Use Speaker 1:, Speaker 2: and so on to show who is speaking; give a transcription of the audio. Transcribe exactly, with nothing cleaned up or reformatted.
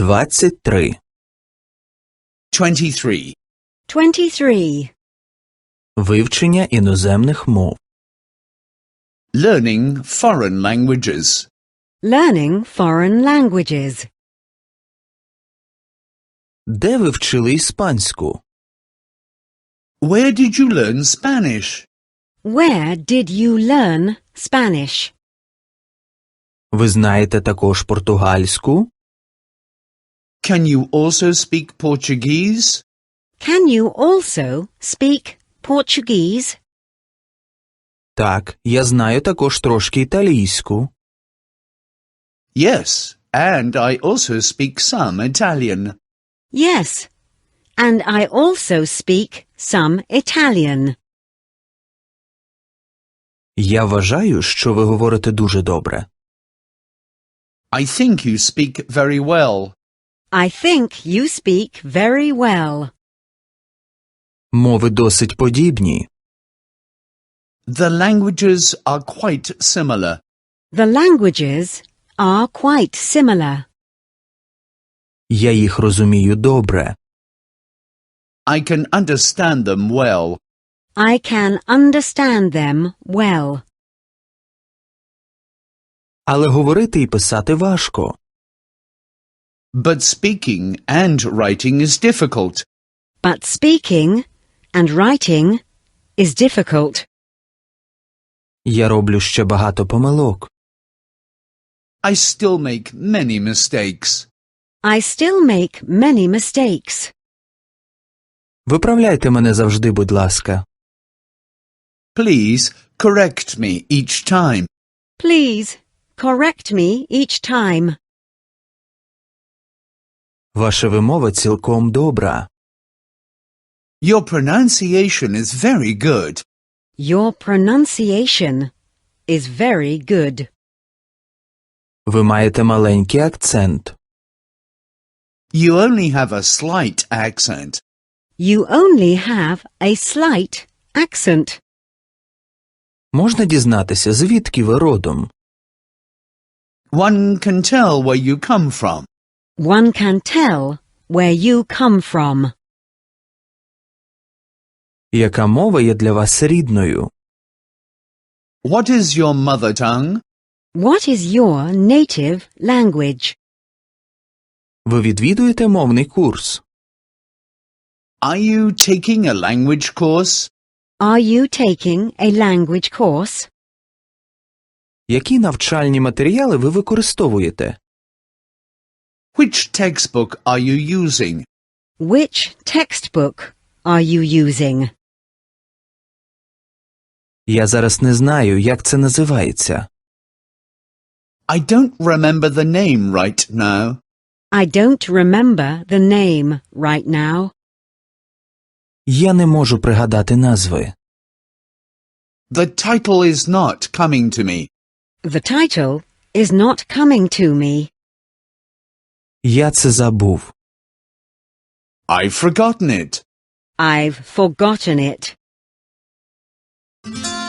Speaker 1: Двадцять три.
Speaker 2: twenty-three.
Speaker 3: twenty-three.
Speaker 1: Вивчення іноземних мов.
Speaker 2: Learning foreign languages.
Speaker 3: Learning foreign languages.
Speaker 1: Де ви вчили іспанську?
Speaker 2: Where did you learn Spanish?
Speaker 3: Where did you learn Spanish?
Speaker 1: Ви знаєте також португальську?
Speaker 2: Can you also speak Portuguese?
Speaker 3: Can you also speak Portuguese?
Speaker 1: Так, я знаю також трошки італійську.
Speaker 2: Yes, and I also speak some Italian.
Speaker 3: Yes, and I also speak some Italian.
Speaker 1: Я вважаю, що ви говорите дуже добре.
Speaker 2: I think you speak very well.
Speaker 3: I think you speak very well.
Speaker 1: Мови досить подібні.
Speaker 2: The languages are quite similar.
Speaker 3: The languages are quite similar.
Speaker 1: Я їх розумію добре.
Speaker 2: I can understand them well.
Speaker 3: I can understand them well.
Speaker 1: Але говорити і писати важко.
Speaker 2: But speaking and writing is difficult.
Speaker 3: But speaking and writing is difficult.
Speaker 1: Я роблю ще багато помилок.
Speaker 2: I still make many mistakes.
Speaker 3: I still make many mistakes.
Speaker 1: Виправляйте мене завжди, будь ласка.
Speaker 2: Please correct me each time.
Speaker 3: Please correct me each time.
Speaker 1: Ваша вимова цілком добра.
Speaker 2: Your pronunciation is very good.
Speaker 3: Your pronunciation is very good.
Speaker 1: Ви маєте маленький акцент.
Speaker 2: You only have a slight accent.
Speaker 3: You only have a slight accent.
Speaker 1: Можна дізнатися, звідки ви родом?
Speaker 2: One can tell where you come from.
Speaker 3: One can tell where you come from.
Speaker 1: Яка мова є для вас рідною?
Speaker 2: What is your mother tongue?
Speaker 3: What is your native language?
Speaker 1: Ви відвідуєте мовний курс?
Speaker 2: Are you taking a language course?
Speaker 3: Are you taking a language course?
Speaker 1: Які навчальні матеріали ви використовуєте?
Speaker 2: Which textbook are you using?
Speaker 3: Which textbook are you using?
Speaker 1: Я зараз не знаю, як це називається.
Speaker 2: I don't remember the name right now.
Speaker 3: I don't remember the name right now.
Speaker 1: Я не можу пригадати назви.
Speaker 2: The title is not coming to me.
Speaker 3: The title is not coming to me.
Speaker 1: Я це забув.
Speaker 2: I've forgotten it.
Speaker 3: I've forgotten it.